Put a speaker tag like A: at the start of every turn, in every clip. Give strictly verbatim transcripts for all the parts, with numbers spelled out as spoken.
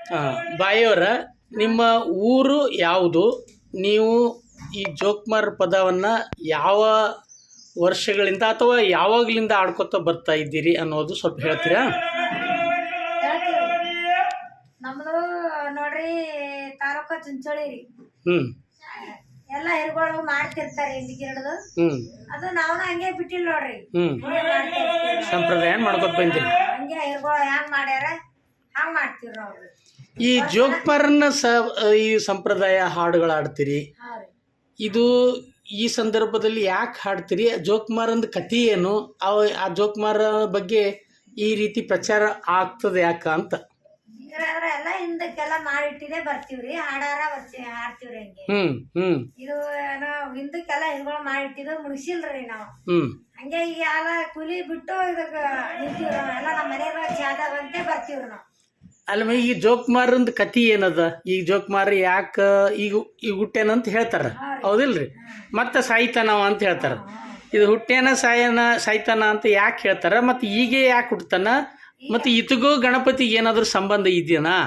A: ಬಾಯಿಯವರ ನಿಮ್ಮ ಊರು ಯಾವುದು? ನೀವು ಈ ಜೋಕುಮಾರ್ ಪದವನ್ನು ಯಾವ ವರ್ಷಗಳಿಂದ ಅಥವಾ ಯಾವಾಗಲಿಂದ ಆಡ್ಕೊತ ಬರ್ತಾ ಇದ್ದೀರಿ ಅನ್ನೋದು ಸ್ವಲ್ಪ ಹೇಳ್ತೀರಾ?
B: ನಮ್ದು ನೋಡ್ರಿ ತಾಲೂಕ ಚುಂಚೋಳಿ ರೀ.
A: ಹ್ಮ್
B: ಎಲ್ಲ ಹಿರುಗಳು ಮಾಡ್ತಿರ್ತಾರೆ ಹಿಂದಿಗಿರಡು.
A: ಹ್ಮ್
B: ಅದು ನಾವು ಹಂಗೆ ಬಿಟ್ಟಿಲ್ಲ ನೋಡ್ರಿ.
A: ಹ್ಮ್ ಸಂಪ್ರದಾಯ ಮಾಡ್ಕೊತ ಬಂದಿರಿ.
B: ಹಂಗೆ ಹಿರುಗಳು ಹ್ಯಾಂಗ್ ಮಾಡ್ಯಾರ ಹಂಗ್ ಮಾಡ್ತೀವಿ ನಾವು.
A: ಈ ಜೋಕುಮಾರನ್ನ ಸ ಈ ಸಂಪ್ರದಾಯ ಹಾಡುಗಳು ಹಾಡ್ತೀರಿ, ಇದು ಈ ಸಂದರ್ಭದಲ್ಲಿ ಯಾಕೆ ಹಾಡ್ತೀರಿ? ಜೋಕುಮಾರಂದು ಕಥೆ ಏನು? ಅವ ಆ ಜೋಕುಮಾರ ಬಗ್ಗೆ ಈ ರೀತಿ ಪ್ರಚಾರ ಆಗ್ತದೆ ಯಾಕ ಅಂತ?
B: ಎಲ್ಲ ಹಿಂದಕ್ಕೆಲ್ಲ ಮಾಡಿಟ್ಟಿದೆ ಬರ್ತೀವ್ರಿ, ಹಾಡಾರ ಬರ್ತಿ ಹಾಡ್ತೀವ್ರಿ ಹಂಗೆ.
A: ಹ್ಮ್ ಹ್ಮ್
B: ಇದು ನಾವು ಹಿಂದಕ್ಕೆಲ್ಲ ಹಿರುಗಳು ಮಾಡಿಟ್ಟಿದ್ದು ಮುಗಿಸಿಲ್ರಿ ನಾವು.
A: ಹ್ಮ್
B: ಹಂಗೆ ಈಗ ಎಲ್ಲ ಕೂಲಿ ಬಿಟ್ಟು ಇದಕ್ಕೆ ನಿಂತೀವ್ರಿ ನಾವ್ ಎಲ್ಲ ನಮ್ಮ ಮನೆಯಾಗ ಜಾದವಂತೆ ಬರ್ತೀವ್ರಿ ನಾವು.
A: ಅಲ್ಲ ಈ ಜೋಕುಮಾರಂದು ಕಥೆ ಏನದ? ಈಗ ಜೋಕುಮಾರ ಯಾಕ ಈಗ ಈಗ ಹುಟ್ಟೇನಂತ ಹೇಳ್ತಾರ, ಹೌದಿಲ್ರಿ? ಮತ್ತೆ ಸಾಯ್ತಾನವ ಅಂತ ಹೇಳ್ತಾರ. ಇದು ಹುಟ್ಟೇನ ಸಾಯನ ಸಾಯ್ತಾನ ಅಂತ ಯಾಕೆ ಹೇಳ್ತಾರ? ಮತ್ತೆ ಈಗ ಯಾಕೆ ಹುಟ್ಟತಾನ? ಮತ್ತೆ ಇತಗೂ ಗಣಪತಿಗೆ ಏನಾದ್ರು ಸಂಬಂಧ ಇದೆಯಾ?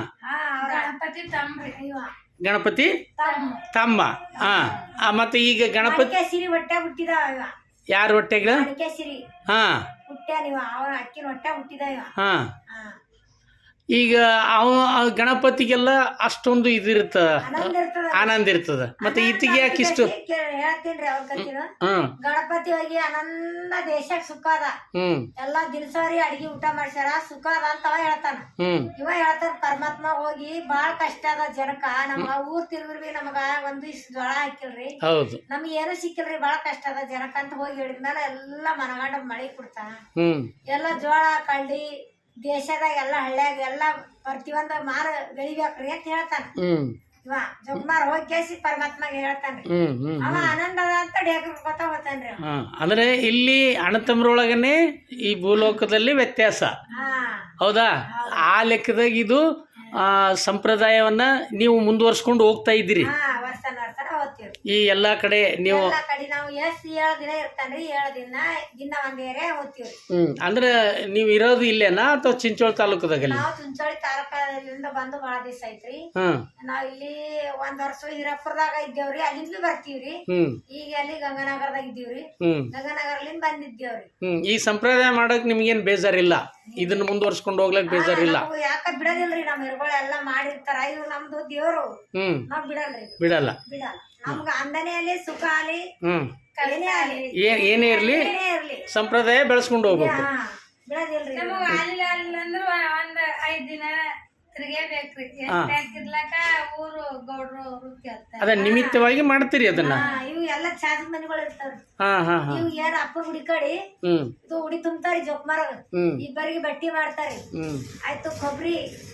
A: ಗಣಪತಿ ತಮ್ಮ. ಹಾ ಮತ್ತೆ ಈಗ ಗಣಪತಿ
B: ಹೊಟ್ಟೆ ಹುಟ್ಟಿದ
A: ಯಾರ ಹೊಟ್ಟೆಗ? ಹಾ
B: ಅಕ್ಕಿನ ಹೊಟ್ಟೆ ಹುಟ್ಟಿದ.
A: ಹಾ ಈಗ ಅವ ಗಣಪತಿಗೆಲ್ಲ ಅಷ್ಟೊಂದು ಇದಿರುತ್ತ, ಆನಂದ ಇರ್ತದ. ಮತ್ತೆ ಈತಿಗೆ ಯಾಕೆ ಇಷ್ಟು?
B: ಹೇಳ್ತೀನ್ರಿ ಅವ್ರ ಕತ್ತಿನ. ಗಣಪತಿ ಹೋಗಿ ಆನಂದ ದೇಶಕ್ ಸುಖ ಅದ, ಎಲ್ಲಾ ದಿನಸರಿ ಅಡಿಗೆ ಊಟ ಮಾಡ್ಸ್ಯಾರ, ಸುಖ ಅದ ಅಂತ ಅವ ಹೇಳ್ತಾನ. ಇವ ಹೇಳ್ತಾರ ಪರಮಾತ್ಮ ಹೋಗಿ ಬಾಳ ಕಷ್ಟ ಅದ ಜನಕ, ನಮ್ಗ ಊರ್ ತಿರುಗ್ರಿ ನಮಗ ಒಂದು ಇಷ್ಟು ಜೋಳ ಹಾಕಿಲ್ರಿ, ನಮ್ಗೆ ಏನು ಸಿಕ್ಕಿಲ್ರಿ, ಬಾಳ ಕಷ್ಟ ಅದ ಜನಕ ಅಂತ ಹೋಗಿ ಹೇಳಿದ್ಮೇಲೆ ಎಲ್ಲಾ ಮನಗಂಡ ಮಳಿ ಕೊಡ್ತಾನ. ಎಲ್ಲಾ ಜೋಳ ಕಳ್ಳಿ ದೇಶದಾಗ ಎಲ್ಲ ಹಳ್ಳ್ಯಾಗ ಎಲ್ಲ ಪ್ರತಿಯೊಂದು ಮಾರ ಬೆಳಿಬೇಕ್ರಿ ಅಂತ ಹೇಳ್ತಾನ ಇವ ಜೋಕುಮಾರ್. ಹೋಗಿ ಕೇಸಿ ಪರಮಾತ್ಮಗೆ ಹೇಳ್ತಾನ್ರಿ, ಅವ ಆನಂದ ಅದ ಅಂತ ಡೇಕರ್ಕೊತ ಹೋಗ್ತಾನ್ರಿ.
A: ಅಂದ್ರೆ ಇಲ್ಲಿ ಅಣ್ಣತಮ್ಮರೊಳಗನೆ ಈ ಭೂಲೋಕದಲ್ಲಿ ವ್ಯತ್ಯಾಸ, ಹೌದಾ? ಆ ಲೆಕ್ಕದಾಗ ಇದು ಆ ಸಂಪ್ರದಾಯವನ್ನ ನೀವು ಮುಂದುವರ್ಸ್ಕೊಂಡು ಹೋಗ್ತಾ ಇದ್ದೀರಿ ಈ ಎಲ್ಲಾ ಕಡೆ. ನೀವು
B: ನಾವು ಎಷ್ಟ್ ಏಳು ದಿನ ಇರ್ತಾನ್ರಿ, ಏಳು ದಿನ ದಿನ ಒಂದ್ ಏರಿಯಾ ಹೋಗ್ತೀವ್ರಿ.
A: ಹ್ಮ್ ಅಂದ್ರೆ ನೀವ್ ಇರೋದು ಇಲ್ಲೇನಾ ಅಥವಾ ಚಿಂಚೋಳಿ ತಾಲೂಕದಾಗ?
B: ನಾವು ಚಿಂಚೋಳಿ ತಾಲೂಕದಿಂದ ಬಂದು ಬಾಳ ದಿವಸ ಐತ್ರಿ. ನಾವ್ ಇಲ್ಲಿ ಒಂದ್ ವರ್ಷ ಹಿರಾಪುರದಾಗ ಇದ್ದೇವ್ರಿ, ಅಲ್ಲಿಂದ ಬರ್ತೀವ್ರಿ. ಈಗ ಅಲ್ಲಿ ಗಂಗಾನಗರದಾಗ ಇದ್ದೀವ್ರಿ, ಗಂಗಾನಗರ್ಲಿಂದ ಬಂದಿದ್ದೇವ್ರಿ.
A: ಹ್ಮ್ ಈ ಸಂಪ್ರದಾಯ ಮಾಡಕ್ ನಿಮ್ಗೇನ್ ಬೇಜಾರಿಲ್ಲ? ಇದನ್ನ ಮುಂದುವರ್ಸ್ಕೊಂಡು ಹೋಗ್ಲಕ್ ಬೇಜಾರಿಲ್ಲ?
B: ಯಾಕ ಬಿಡದಿಲ್ರಿ, ನಮ್ ಹಿರುಗಳು ಎಲ್ಲಾ ಮಾಡಿರ್ತಾರ, ಇವ್ ನಮ್ದು ದೇವ್ರು, ನಾವ್ ಬಿಡಲ್ರಿ.
A: ಬಿಡಲ್ಲ
B: ಬಿಡಲ್ಲ ನಮ್ಗ ಅಂದನೆ ಅಲ್ಲಿ ಸುಖ ಅಲ್ಲಿ ಏನೇ ಅಲ್ಲಿ
A: ಏನೇ ಇರ್ಲಿ ಸಂಪ್ರದಾಯ ಬೆಳೆಸ್ಕೊಂಡು ಹೋಗ್ಬೇಕು.
B: ಬಿಡದಿಲ್ರಿ.
C: ನಮಗ ಅಲ್ಲಿ ಅಲ್ಲಿ ಅಂದ್ರ ಒಂದ್ ಐದ್ ದಿನ ತಿರ್ಗೇಬೇಕ್ರಿ. ಇರ್ಲಾಕ ಊರು ಗೌಡ್ರು ಕೇಳ್ತಾರ,
A: ಅದ ನಿಮಿತ್ತವಾಗಿ ಮಾಡ್ತೀರಿ ಅದನ್ನ.
B: ಇವು ಎಲ್ಲ ಚಾದ ಮನೆಗಳು ಇರ್ತಾವ್ರಿ.
A: ಹಾ ಹಾ
B: ಇವ್ ಏನ್ ಅಪ್ಪನ ಹುಡಿ ಕಡಿ ಇದು ಉಡಿ ತುಂಬ್ತಾರಿ ಜೋಕುಮಾರಗ, ಇಬ್ಬರಿಗೆ ಬಟ್ಟಿ ಮಾಡ್ತಾರಿ, ಆಯ್ತು ಕೊಬ್ಬರಿ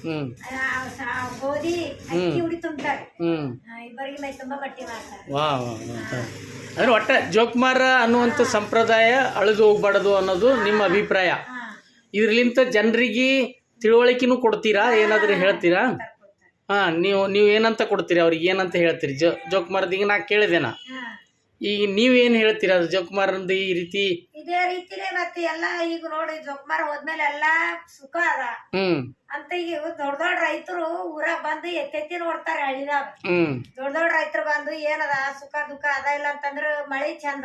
B: ಗೋಧಿ ಅಕ್ಕಿ ಉಡಿ ತುಂಬ್ತಾರಿ, ಇಬ್ಬರಿಗೆ ಮೈ ತುಂಬಾ ಬಟ್ಟಿ ಮಾಡ್ತಾರ.
A: ವಾ ಅಂದ್ರೆ ಒಟ್ಟ ಜೋಕುಮಾರ ಅನ್ನುವಂಥ ಸಂಪ್ರದಾಯ ಅಳಿದು ಹೋಗ್ಬಾರ್ದು ಅನ್ನೋದು ನಿಮ್ಮ ಅಭಿಪ್ರಾಯ. ಇದ್ರಲಿಂತ ಜನರಿಗೆ ತಿಳುವಳಿಕೆನೂ ಕೊಡ್ತೀರಾ? ಏನಾದರೂ ಹೇಳ್ತೀರಾ? ಹಾ ನೀವು ನೀವು ಏನಂತ ಕೊಡ್ತೀರಿ ಅವ್ರಿಗೆ? ಏನಂತ ಹೇಳ್ತೀರಿ ಜೋ ಜೋಕುಮಾರ್ದ? ಈಗ ನಾ ಕೇಳಿದೆನಾ, ಈಗ ನೀವೇನು ಹೇಳ್ತೀರಾ ಜೋಕುಮಾರಂದು ಈ ರೀತಿ?
B: ಇದೇ ರೀತಿನೇ ಮತ್ತೆ ಎಲ್ಲ ಈಗ ನೋಡಿ ಜೋಕುಮಾರ್ ಹೋದ್ಮೇಲೆ ಎಲ್ಲಾ ಸುಖ ಅದ ಅಂತ ಈಗ ದೊಡ್ಡ ದೊಡ್ಡ ರೈತರು ಊರಾಗ ಬಂದು ಎತ್ತೆತ್ತಿ ನೋಡ್ತಾರೆ ಹಳ್ಳಿದಾಗ. ದೊಡ್ಡ ದೊಡ್ಡ ರೈತರು ಬಂದು ಏನದ ಸುಖ ದುಃಖ ಅದ ಇಲ್ಲ ಅಂತಂದ್ರ ಮಳಿ ಚಂದ